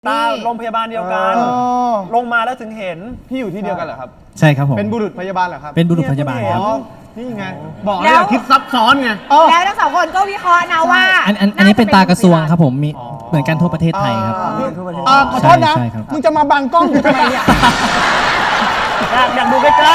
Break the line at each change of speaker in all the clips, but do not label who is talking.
ตาโรงพยาบาลเดียวกันลงมาแล้วถึงเห็น
พี่อยู่ที่เดียวกันเหรอครับ
ใช่ครับผม
เป็นบุรุษพยาบาลเหรอครับ
เป็นบุรุษพยาบาลครับ
นี่ไงบอกเลยคิดซับซ้อนไง
แล้วทั้งสองคนก็วิเคราะห์นะว่า
อันนี้เป็นตากระทรวงครับผมมีเหมือนกันทั่วประเทศไทยครับ
ขอโทษนะ
ใช่ครับ
มึงจะมาบังกล้องกูทำไมเนี่ย
อยากดูใกล้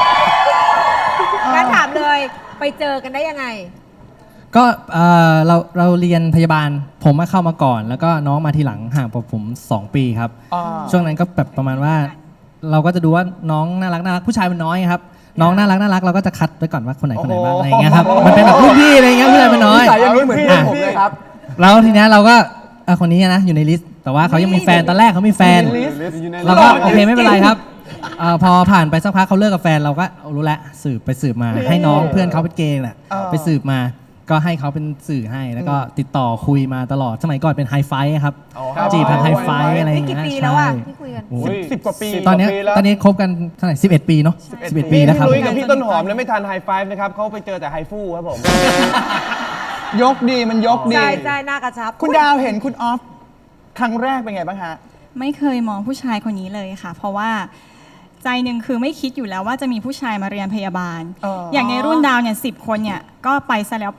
งั้นถามเลยไปเจอกันได้ยังไง
ก็เราเรียนพยาบาลผมมาเข้ามาก่อน แล้วก็น้องมาทีหลังห่างกับผม 2 ปีครับ ช่วงนั้นก็แบบประมาณว่า เราก็จะดูว่าน้องน่ารักผู้ชายมันน้อยครับน้องน่ารักเราก็จะคัดไว้ก่อนว่าคนไหนบ้างอะไรอย่างเงี้ยครับมันเป็นแบบรุ่นพี่อะไรเงี้ยผู้ชายมันน้อย
สายอย่างนี้เหมือนเพื่อนผมเลยครับ
แล้วทีเนี้ยเราก็คนนี้นะอยู่ในลิสต์แต่ว่าเขายังมีแฟนตอนแรกเขามีแฟน เราก็โอเคไม่เป็นไรครับพอผ่านไปสักพักเขาเลิกกับแฟนเราก็รู้แล้วสืบมาให้น้องเพื่อนเขาเป็นเกย์แหละไปสืบมาก็ให้เขาเป็นสื่อให้แล้วก็ติดต่อคุยมาตลอดสมัยก่อนเป็นไฮไฟครับจีบทางไฮไฟอะไรอย่าง
นี่
เงี้
กี่
ย
ปีแล้วอ่ะที่คุยกัน
10 กว่าปี
ตอนนี้คบกันเท่าไหร่11 ปีเนาะ11 ปีแล้วครับ
พี่ลุยกับพี่ต้นหอมแล้วไม่ทันไฮไฟฟ์นะครับเขาไปเจอแต่ไฮฟู่ครับผม
ยกดีมันยกดี
ใช่หน้ากระชับ
คุณดาวเห็นคุณออฟครั้งแรกเป็นไงบ้างฮะ
ไม่เคยมองผู้ชายคนนี้เลยค่ะ เพราะว่าใจหนึ่งคือไม่คิดอยู่แล้วว่าจะมีผู้ชายมาเรียนพยาบาล อย่างในรุ่นดาวเนี่ย10 คนเนี่ยก็ไปซะแล้ว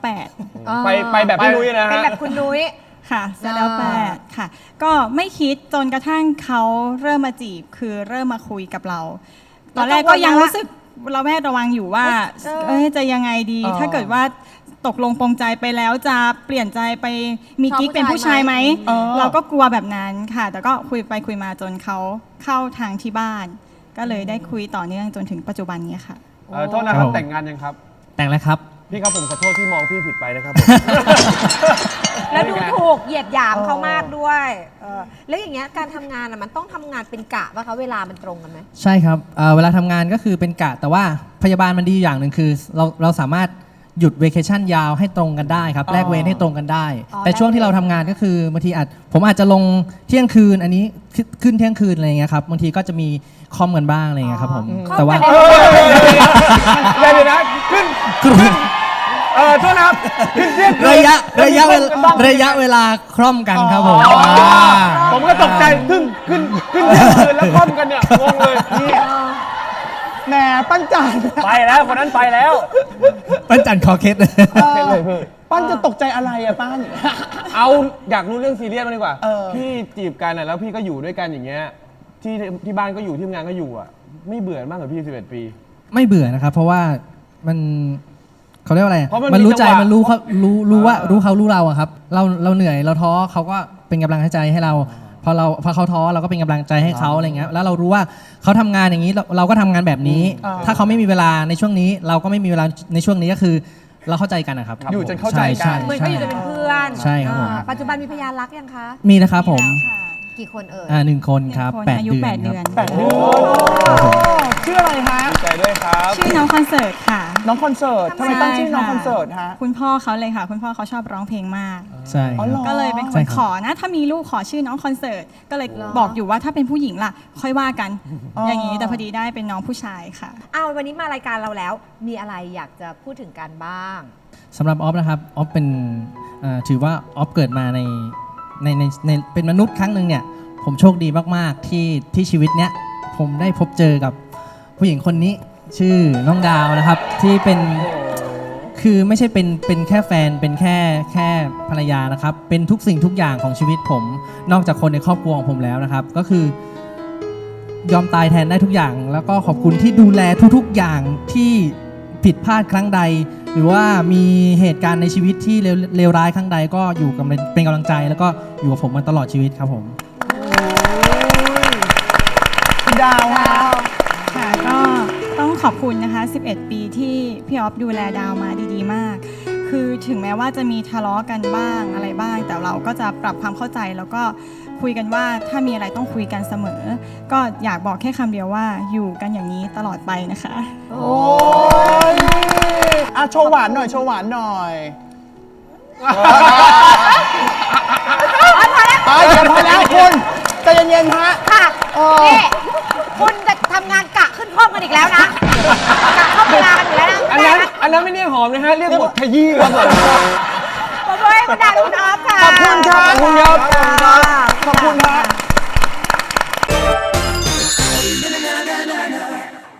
8
ไปแบบพี่ลุยนะ
เป็น
ฮะ
แบบคุณนุ้ย
ค่ะซะแล้ว8ค่ะ ก็ไม่คิดจนกระทั่งเขาเริ่มมาจีบคือเริ่มมาคุยกับเรา ตอนแรกก็ยังรู้สึกเราแวดระวังอยู่ว่าจะยังไงดี ถ้าเกิดว่าตกลงปรงใจไปแล้วจะเปลี่ยนใจไปมีกิ๊กเป็นผู้ชายไหมเราก็กลัวแบบนั้นค่ะ แต่ก็คุยไปคุยมาจนเขาเข้าทางที่บ้าน ก็เลยได้คุยต่อเนื่องจนถึงปัจจุบันนี้ค่ะ
โทษนะครับแต่งงานยังครับ
แต่งแล้วครับ
พี่ครับผมขอโทษที่มองพี่ผิดไปนะครับ
แล้วดูถูกเหยียดหยามเขามากด้วยแล้วอย่างเงี้ยการทำงานมันต้องทำงานเป็นกะป่ะคะเวลามันตรงกันไหม
ใช่ครับเวลาทำงานก็คือเป็นกะแต่ว่าพยาบาลมันดีอย่างหนึ่งคือเราสามารถหยุดเวเคชั่นยาวให้ตรงกันได้ครับแลกเวรให้ตรงกันได้ แต่ช่วงที่เราทำงานก็คือบางทีผมอาจจะลงเที่ยงคืนอันนี้ขึ้นเที่ยงคืนอะไรอย่างเงี้ยครับบางทีก็จะมีคอมกันบ้างอะไรอย่างเงี้ยครับผมแต่ว่า
เดี๋ยวนะขึ้นโทษนะครับขึ้นเที่ยงคืน
ระยะเวลาคล่อมกันครับผม
ผมก็ตกใจขึ้นเที่ยงคืนแล้วคล่อมกันเนี่ยงงเลยนี่
แหมปั้นจัน
ๆ ไปแล้วคนนั้นไปแล้ว
ปั้นจันคอเคส
ปั้นจะตกใจอะไรอะปั้น
เอาอยากรู้เรื่องซีเรียสมาดีกว่า
เออ
พี่จีบกันน่ะแล้วพี่ก็อยู่ด้วยกันอย่างเงี้ยที่บ้านก็อยู่ที่ทำงานก็อยู่อ่ะไม่เบื่อบ้างเหรอพี่11 ปี
ไม่เบื่อนะครับเพราะว่ามันเขาเรียกว่าอะไร
เพราะมัน
มันรู้ใจ
มีจังหวะ
มันรู้เขารู้ว่ารู้เขารู้เราอะครับเราเหนื่อยเราท้อเขาก็เป็นกำลังใจให้เราพอเขาท้อเราก็เป็นกำลังใจให้เขาอะไรเงี้ยแล้วเรารู้ว่าเขาทำงานอย่างนี้เราก็ทำงานแบบนี้ ถ้าเขาไม่มีเวลาในช่วงนี้ เราก็ไม่มีเวลาในช่วงนี้ก็คือเราเข้าใจกันนะครับ
อยู่จนเข้าใจกัน
เหมือนก็อยู่จะเป็นเพื่อน
ใช่ครับผม
ปัจจุบันมีพยานรักยังคะ
มีนะครับผม
แล้วค่ะ
กี่คนเอ่ย
1 คนครับ
หนึ่งคน
8
อายุ
เดือน
8 เดือน
ครับ
ชื่ออะไรฮะ
ดีใจด้วยครับ
ชื่อน้องคอนเสิร์ตค่ะ
น้องคอนเสิร์ตทำไมตั้งชื่อน้องคอนเสิร์ตฮะ
คุณพ่อเขาเลยค่ะ คุณพ่อเขาชอบร้องเพลงมาก
ใช่ครับ
ก็เลยเป็นค
ใช่
น
ครับ
ขอนะ ถ้ามีลูกขอชื่อน้องคอนเสิร์ตก็เลยบอกอยู่ว่าถ้าเป็นผู้หญิงล่ะ ค่อยว่ากัน อย่างนี้แต่พอดีได้เป็นน้องผู้ชายค่ะ
วันนี้มารายการเราแล้ว มีอะไรอยากจะพูดถึงกันบ้าง
สำหรับออฟนะครับออฟเป็นถือว่าออฟเกิดมาในเป็นมนุษย์ครั้งหนึ่งเนี่ยผมโชคดีมากๆที่ชีวิตเนี้ยผมได้พบเจอกับผู้หญิงคนนี้ชื่อน้องดาวนะครับที่เป็นคือไม่ใช่เป็นแค่แฟนเป็นแค่ภรรยานะครับเป็นทุกสิ่งทุกอย่างของชีวิตผมนอกจากคนในครอบครัวของผมแล้วนะครับก็คือยอมตายแทนได้ทุกอย่าง แล้วก็ขอบคุณที่ดูแลทุกๆอย่างที่ผิดพลาดครั้งใด หรือว่ามีเหตุการณ์ในชีวิตที่เลวร้ายครั้งใดก็อยู่กับเป็นกำลังใจแล้วก็อยู่กับผมมาตลอดชีวิตครับผม
คุณดาวฮะ
ค่ะก็ต้องขอบคุณนะคะ 11 ปีที่พี่ออฟดูแลดาวมาดีๆมาก คือถึงแม้ว่าจะมีทะเลาะกันบ้างอะไรบ้าง แต่เราก็จะปรับความเข้าใจแล้วก็คุยกันว่าถ้ามีอะไรต้องคุยกันเสมอ ก็อยากบอกแค่คำเดียวว่าอยู่กันอย่างนี้ตลอดไปนะคะ
โอ้ยโชว์หวานหน่อย โชว์หวานหน่อยพอแล้วคุณใจเย็นๆฮะ
ค่ะนี่คุณจะทำงานกะขึ้นห้องกันอีกแล้วนะกะเข้าเวลากันอยู่แล้วนะ
อันนั้นไม่เรียกหอมนะฮะเรียกบทขยี้ครับผม
ขอบคุณคุณดาวคุณออฟค่ะ
ขอบคุณครับ
ขอบคุณครับ
ขอบคุณฮะ